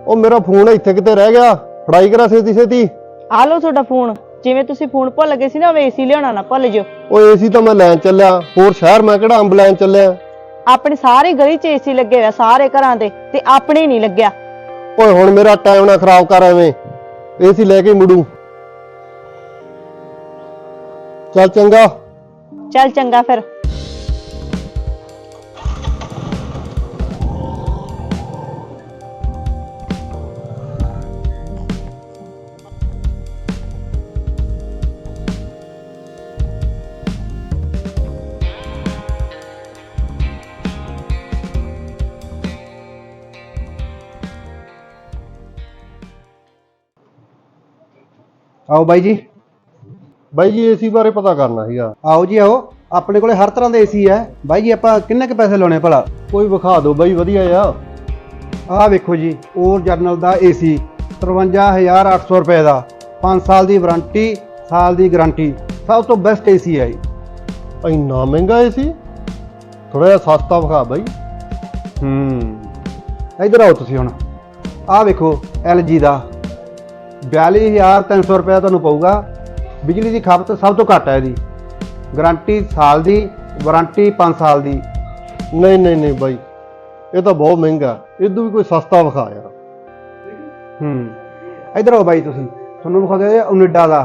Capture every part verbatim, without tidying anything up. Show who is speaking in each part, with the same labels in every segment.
Speaker 1: ਉਹ ਮੇਰਾ ਫੋਨ ਇੱਥੇ ਕਿਤੇ ਰਹਿ ਗਿਆ, ਫੜਾਈ ਕਰਾ ਛੇਤੀ ਛੇਤੀ।
Speaker 2: ਆ ਲਓ ਤੁਹਾਡਾ ਫੋਨ। ਜਿਵੇਂ ਤੁਸੀਂ ਫੋਨ ਭੁੱਲ ਗਏ ਸੀ ਨਾ, ਏਸੀ ਲਿਆਉਣਾ ਨਾ ਭੁੱਲ ਜਿਓ।
Speaker 1: ਉਹ ਏਸੀ ਤਾਂ ਮੈਂ ਲੈਣ ਚੱਲਿਆ, ਹੋਰ ਸ਼ਹਿਰ ਮੈਂ ਕਿਹੜਾ ਅੰਬ ਲੈਣ ਚੱਲਿਆ।
Speaker 2: ਆਪਣੀ ਸਾਰੀ ਗਲੀ 'ਚ ਏਸੀ ਲੱਗੇ ਹੋਇਆ, ਸਾਰੇ ਘਰਾਂ ਦੇ, ਤੇ ਆਪਣੇ ਨਹੀਂ ਲੱਗਿਆ।
Speaker 1: ਓਏ ਹੁਣ ਮੇਰਾ ਟਾਈਮ ਨਾ ਖਰਾਬ ਕਰ, ਐਵੇਂ ਏਸੀ ਲੈ ਕੇ ਮੁੜੂ। ਚੱਲ ਚੰਗਾ।
Speaker 2: ਚੱਲ ਚੰਗਾ ਫਿਰ।
Speaker 3: आओ बाई जी।
Speaker 1: ਬਾਈ ਜੀ ਏਸੀ ਬਾਰੇ ਪਤਾ ਕਰਨਾ ਸੀਗਾ।
Speaker 3: आओ जी आओ, अपने को हर तरह का एसी है बाई जी। आप किन्ने के पैसे लाने भला?
Speaker 1: ਕੋਈ ਵਿਖਾ ਦਿਓ ਬਾਈ ਵਧੀਆ ਆ।
Speaker 3: आ वेखो जी, ओर जरनल का एसी तरवंजा हज़ार अठ सौ रुपए का, पाँच साल की वारंटी, साल की गारंटी, सब तो बेस्ट एसी है जी।
Speaker 1: ਇੰਨਾ ਮਹਿੰਗਾ ਏਸੀ, ਥੋੜਾ ਜਿਹਾ ਸਸਤਾ ਵਿਖਾ ਬਾਈ।
Speaker 3: हम्म इधर आओ तुसी हुण। आ वेखो एल जी का बयाली हज़ार तीन सौ रुपया तुहानूं पऊगा। बिजली की खपत सब तो घट है जी। गारंटी साल की, वारंटी पाँच साल की।
Speaker 1: ਨਹੀਂ ਨਹੀਂ ਨਹੀਂ ਬਾਈ, ਇਹ ਤਾਂ ਬਹੁਤ ਮਹਿੰਗਾ, ਇਦੋਂ ਵੀ ਕੋਈ ਸਸਤਾ ਵਿਖਾ ਯਾਰ।
Speaker 3: हम्म इधर आओ बाई तुसी, तुहानूं विखा दे ओनिडा का।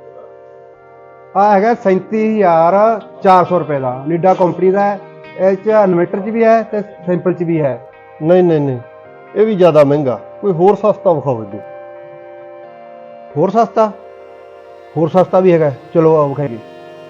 Speaker 3: आ हैगा सैंती हज़ार चार सौ रुपए का, ओनिडा कंपनी का है। इस इन्वर्टर च भी है तो सिंपल च भी है।
Speaker 1: ਨਹੀਂ ਨਹੀਂ ਨਹੀਂ, ਇਹ ਵੀ ਜ਼ਿਆਦਾ ਮਹਿੰਗਾ, ਕੋਈ ਹੋਰ ਸਸਤਾ ਵਿਖਾਓ ਇਦੋਂ।
Speaker 3: होर सस्ता? होर सस्ता भी है, चलो आओ विखाइए।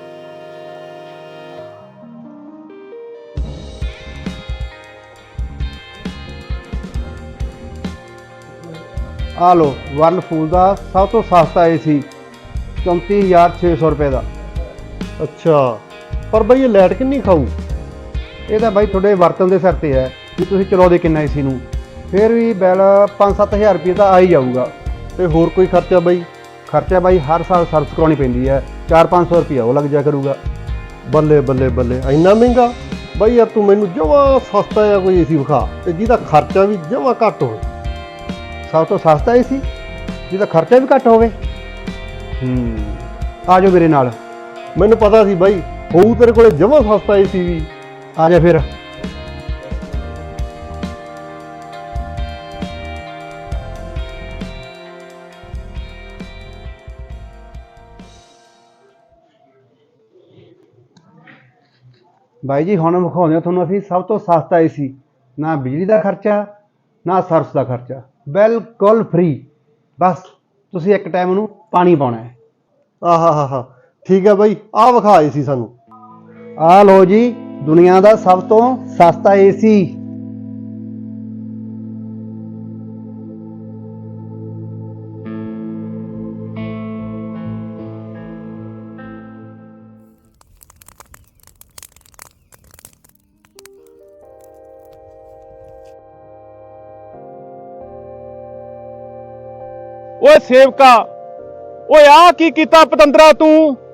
Speaker 3: आ लो वर्लपूल का सब तो सस्ता ए सी, चौंती हज़ार छे सौ रुपए का।
Speaker 1: ਅੱਛਾ, ਪਰ ਬਾਈ ਇਹ ਲਾਈਟ ਕਿੰਨੀ ਖਾਊ?
Speaker 3: ये तो भाई थोड़े वरतन के सिर पर है कि तुम चलाओगे किन्ना ए सी नूं, फिर भी बिल पाँच सत्त हज़ार रुपये तो आ ही जाऊगा।
Speaker 1: ਤੇ ਹੋਰ ਕੋਈ ਖਰਚਾ ਬਾਈ?
Speaker 3: खर्चा भाई हर साल सर्विस करवानी पैंदी है, चार पाँच सौ रुपया वो लग जा करूगा।
Speaker 1: ਬੱਲੇ ਬੱਲੇ ਬੱਲੇ, ਇੰਨਾ ਮਹਿੰਗਾ ਬਾਈ ਯਾਰ। ਤੂੰ ਮੈਨੂੰ ਜਮਾਂ ਸਸਤਾ ਜਿਹਾ ਕੋਈ ਏਸੀ ਵਿਖਾ ਤੇ ਜਿਹਦਾ ਖਰਚਾ ਵੀ ਜਮਾਂ ਘੱਟ ਹੋਵੇ।
Speaker 3: सब तो सस्ता ए सी जिसका खर्चा भी घट होवे। हम्म आ जाओ मेरे नाल।
Speaker 1: ਮੈਨੂੰ ਪਤਾ ਸੀ ਬਾਈ ਹੋਊ ਤੇਰੇ ਕੋਲੇ ਜਮਾਂ ਸਸਤਾ ਏਸੀ ਵੀ।
Speaker 3: आ जा फिर। भाई जी हुण विखाउंदे तुहानूं असीं सब तो सस्ता ए सी, ना बिजली का खर्चा ना सर्विस का खर्चा, बिल्कुल फ्री। बस तुसीं एक टाइम नूं पानी पाउणा है।
Speaker 1: ਆਹਾ ਹਾ ਹਾ, ਠੀਕ ਹੈ ਬਾਈ, ਆਹ ਵਿਖਾ ਏਸੀ ਸਾਨੂੰ।
Speaker 3: आ लो जी दुनिया का सब तो सस्ता ए सी।
Speaker 4: ਓਏ ਸੇਵਕਾ, ਓਏ ਆ ਕੀ ਕੀਤਾ ਪਤੰਦਰਾ ਤੂੰ?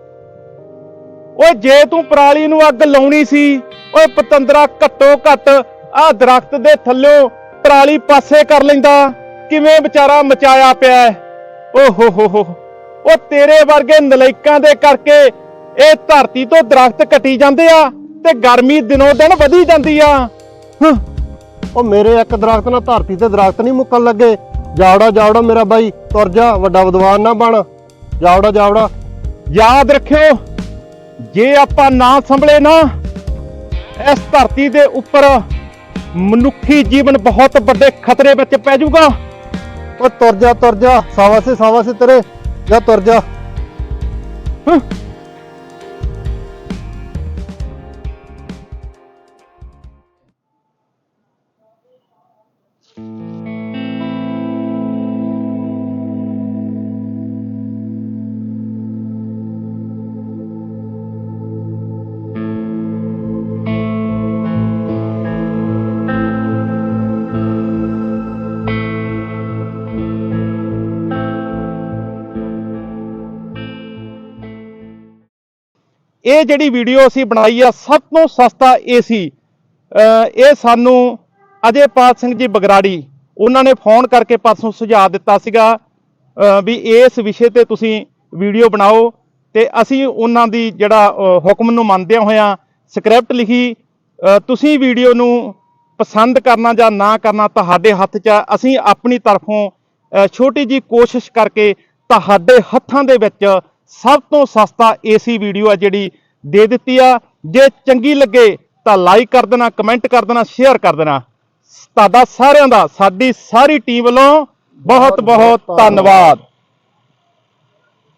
Speaker 4: ਓਏ ਜੇ ਤੂੰ ਪਰਾਲੀ ਨੂੰ ਅੱਗ ਲਾਉਣੀ ਸੀ, ਓਏ ਪਤੰਦਰਾ ਘੱਟੋ ਘੱਟ ਆ ਦਰਖਤ ਦੇ ਥੱਲਿਓਂ ਪਰਾਲੀ ਪਾਸੇ ਕਰ ਲੈਂਦਾ। ਕਿਵੇਂ ਵਿਚਾਰਾ ਮਚਾਇਆ ਪਿਆ ਹੈ। ਓ ਹੋ ਹੋ ਹੋ, ਉਹ ਤੇਰੇ ਵਰਗੇ ਨਲਾਇਕਾਂ ਦੇ ਕਰਕੇ ਇਹ ਧਰਤੀ ਤੋਂ ਦਰਖਤ ਕੱਟੀ ਜਾਂਦੇ ਆ ਤੇ ਗਰਮੀ ਦਿਨੋਂ ਦਿਨ ਵਧੀ ਜਾਂਦੀ ਆ। ਹੰ,
Speaker 1: ਉਹ ਮੇਰੇ ਇੱਕ ਦਰਖਤ ਨਾਲ ਧਰਤੀ ਤੇ ਦਰਖਤ ਨਹੀਂ ਮੁੱਕਣ ਲੱਗੇ। ਜਾਵੜਾ ਜਾਵੜਾ ਮੇਰਾ ਬਾਈ, ਤੁਰ ਜਾ, ਵੱਡਾ ਵਿਦਵਾਨ ਨਾ ਬਣ। ਜਾਵੜਾ ਜਾਵੜਾ।
Speaker 4: ਯਾਦ ਰੱਖਿਓ, ਜੇ ਆਪਾਂ ਨਾ ਸੰਭਲੇ ਨਾ, ਇਸ ਧਰਤੀ ਦੇ ਉੱਪਰ ਮਨੁੱਖੀ ਜੀਵਨ ਬਹੁਤ ਵੱਡੇ ਖਤਰੇ ਵਿੱਚ ਪੈ ਜਾਊਗਾ।
Speaker 1: ਉਹ ਤੁਰ ਜਾ ਤੁਰ ਜਾ, ਸਾਵਾਸੇ ਸਾਵਾਸੇ ਤੇਰੇ, ਜਾ ਤੁਰ ਜਾ।
Speaker 4: ਹੰ। ਇਹ ਜਿਹੜੀ ਵੀਡੀਓ ਅਸੀਂ ਬਣਾਈ ਆ ਸਭ ਤੋਂ ਸਸਤਾ ਏਸੀ, ਇਹ ਸਾਨੂੰ ਅਜੇਪਾਲ ਸਿੰਘ ਜੀ ਬਗਰਾੜੀ ਉਹਨਾਂ ਨੇ ਫੋਨ ਕਰਕੇ ਪਰਸੋਂ ਸੁਝਾਅ ਦਿੱਤਾ ਸੀਗਾ ਅ, ਵੀ ਇਸ ਵਿਸ਼ੇ ਤੇ ਤੁਸੀਂ ਵੀਡੀਓ ਬਣਾਓ, ਤੇ ਅਸੀਂ ਉਹਨਾਂ ਦੀ ਜਿਹੜਾ ਅ, ਹੁਕਮ ਨੂੰ ਮੰਨਦਿਆਂ ਹੋਇਆਂ ਸਕ੍ਰਿਪਟ ਲਿਖੀ। ਅ, ਤੁਸੀਂ ਵੀਡੀਓ ਨੂੰ ਪਸੰਦ ਕਰਨਾ ਜਾਂ ਨਾ ਕਰਨਾ ਤੁਹਾਡੇ ਹੱਥ 'ਚ ਆ। ਅਸੀਂ ਆਪਣੀ ਤਰਫੋਂ ਅ, ਛੋਟੀ ਜੀ ਕੋਸ਼ਿਸ਼ ਕਰਕੇ ਤੁਹਾਡੇ ਹੱਥਾਂ ਦੇ ਵਿੱਚ ਸਭ ਤੋਂ ਸਸਤਾ ਏਸੀ ਵੀਡੀਓ ਆ ਜਿਹੜੀ ਦੇ ਦਿੱਤੀ ਆ। ਜੇ ਚੰਗੀ ਲੱਗੇ ਤਾਂ ਲਾਈਕ ਕਰ ਦੇਣਾ, ਕਮੈਂਟ ਕਰ ਦੇਣਾ, ਸ਼ੇਅਰ ਕਰ ਦੇਣਾ। ਤੁਹਾਡਾ ਸਾਰਿਆਂ ਦਾ ਸਾਡੀ ਸਾਰੀ ਟੀਮ ਵੱਲੋਂ ਬਹੁਤ ਬਹੁਤ ਧੰਨਵਾਦ।